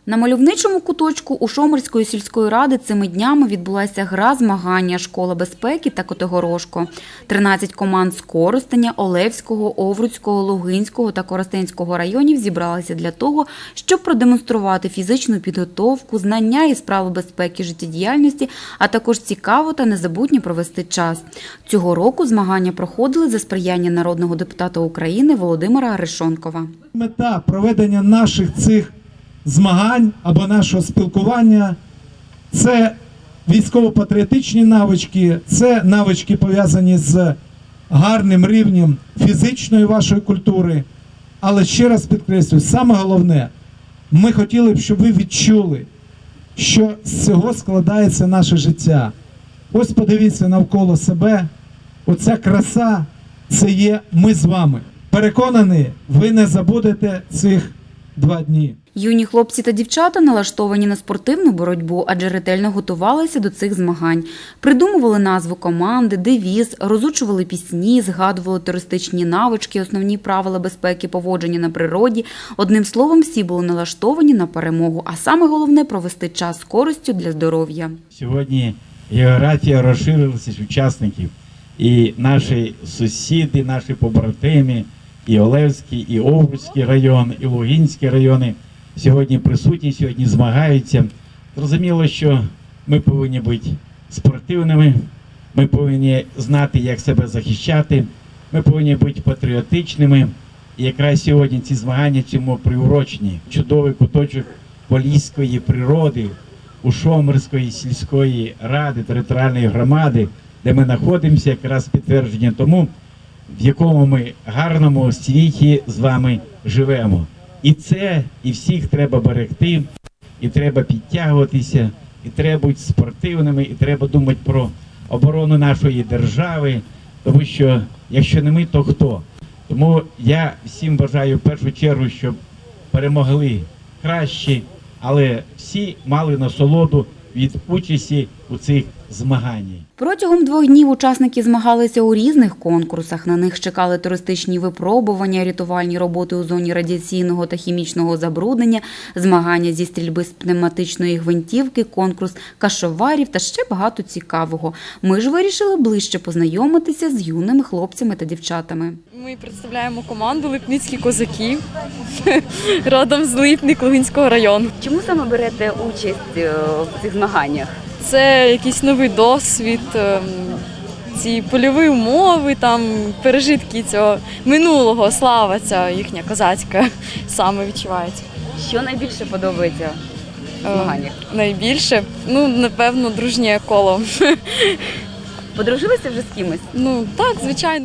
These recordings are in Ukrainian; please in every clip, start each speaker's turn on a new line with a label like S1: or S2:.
S1: На мальовничому куточку Ушомирської сільської ради цими днями відбулася гра змагання «Школа безпеки» та «Котигорошко». 13 команд з Коростеня, Олевського, Овруцького, Лугинського та Коростенського районів зібралися для того, щоб продемонструвати фізичну підготовку, знання і справи безпеки життєдіяльності, а також цікаво та незабутньо провести час. Цього року змагання проходили за сприяння народного депутата України Володимира Арешонкова.
S2: Мета проведення наших цих змагань або нашого спілкування – це військово-патріотичні навички, це навички пов'язані з гарним рівнем фізичної вашої культури. Але ще раз підкреслюю, саме головне, ми хотіли б, щоб ви відчули, що з цього складається наше життя. Ось подивіться навколо себе, оця краса – це є ми з вами. Переконаний, ви не забудете цих 2 дні.
S1: Юні хлопці та дівчата налаштовані на спортивну боротьбу, адже ретельно готувалися до цих змагань. Придумували назву команди, девіз, розучували пісні, згадували туристичні навички, основні правила безпеки поводження на природі. Одним словом, всі були налаштовані на перемогу, а саме головне – провести час з користю для здоров'я.
S3: Сьогодні географія розширилася з учасників. І наші сусіди, наші побратими, і Олевський, і Овруцький район, і Лугинський райони сьогодні присутні, сьогодні змагаються. Зрозуміло, що ми повинні бути спортивними, ми повинні знати, як себе захищати, ми повинні бути патріотичними. І якраз сьогодні ці змагання цьому приурочені. Чудовий куточок поліської природи, Ушомирської сільської ради, територіальної громади, де ми знаходимося, якраз підтвердження тому, в якому ми гарному світі з вами живемо. І це, і всіх треба берегти, і треба підтягуватися, і треба бути спортивними, і треба думати про оборону нашої держави, тому що якщо не ми, то хто? Тому я всім бажаю в першу чергу, щоб перемогли кращі, але всі мали насолоду від участі у цих змаганнях.
S1: Протягом 2 днів учасники змагалися у різних конкурсах. На них чекали туристичні випробування, рятувальні роботи у зоні радіаційного та хімічного забруднення, змагання зі стрільби з пневматичної гвинтівки, конкурс кашоварів та ще багато цікавого. Ми ж вирішили ближче познайомитися з юними хлопцями та дівчатами.
S4: Ми представляємо команду «Липницькі козаки», родом з Липник Лугинського району.
S1: Чому саме берете участь в цих змаганнях?
S4: Це якийсь новий досвід, ці польові умови, там пережитки цього минулого, слава ця їхня козацька саме відчувається.
S1: Що найбільше подобається в змаганнях?
S4: Найбільше, напевно, дружнє коло.
S1: Подружилися вже з кимось?
S4: Так, звичайно.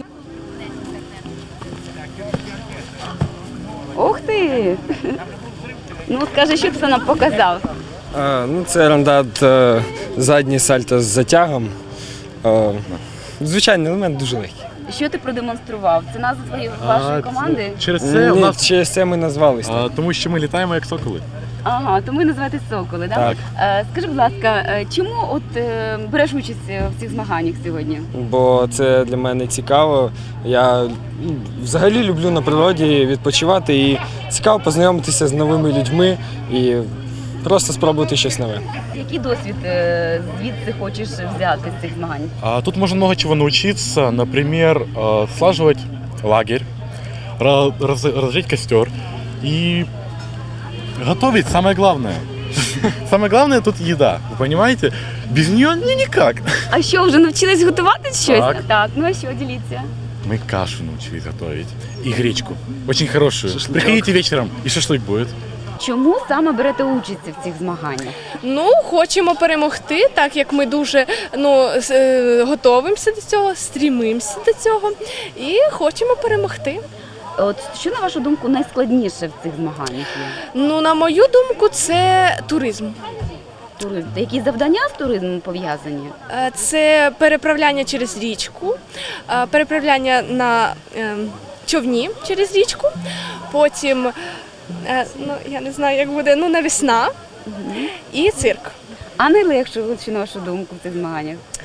S1: Ух ти! Скажи, що ти нам показав?
S5: Це рандат задній сальто з затягом. Звичайний елемент, дуже легкий.
S1: Що ти продемонстрував? Це назва вашої команди?
S5: Через це ми назвалися.
S6: Тому що ми літаємо як соколи.
S1: Ага, тому і називаєтесь «Соколи», так? Скажи, будь ласка, чому береш участь в цих змаганнях сьогодні?
S5: Бо це для мене цікаво. Я взагалі люблю на природі відпочивати і цікаво познайомитися з новими людьми і просто спробувати щось нове.
S1: Який досвід звідси хочеш взяти з цих змагань?
S6: Тут можно много чего научиться. Например, слаживать лагерь, разжечь костер и готовить самое главное. Самое главное тут еда, вы понимаете? Без нее никак.
S1: А що, вже навчились готувати щось?
S6: Так.
S1: А що, діліться?
S6: Мы кашу научились готовить и гречку. Очень хорошую. Приходите вечером, и шашлык будет.
S1: Чому саме берете участь в цих змаганнях?
S7: Хочемо перемогти, так як ми дуже готуємося до цього, стрімимося до цього і хочемо перемогти.
S1: Що, на вашу думку, найскладніше в цих змаганнях є?
S7: На мою думку, це туризм.
S1: Туризм. Які завдання з туризмом пов'язані?
S7: Це переправляння через річку, переправляння на човні через річку, потім, я не знаю, як буде, навесна і цирк.
S1: А найлегше, на вашу думку, в цих змаганнях?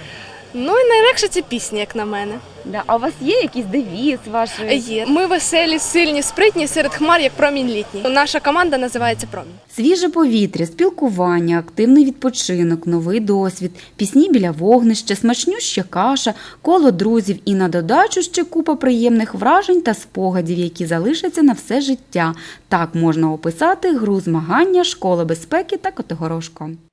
S7: Ну і найлегше це пісня, як на мене.
S1: Да. А у вас є якийсь девіз вашої?
S7: Є. Ми веселі, сильні, спритні, серед хмар, як промінь літній. Наша команда називається «Промінь».
S1: Свіже повітря, спілкування, активний відпочинок, новий досвід, пісні біля вогнища, смачнюща каша, коло друзів і на додачу ще купа приємних вражень та спогадів, які залишаться на все життя. Так можна описати гру змагання «Школа безпеки» та Котигорошко.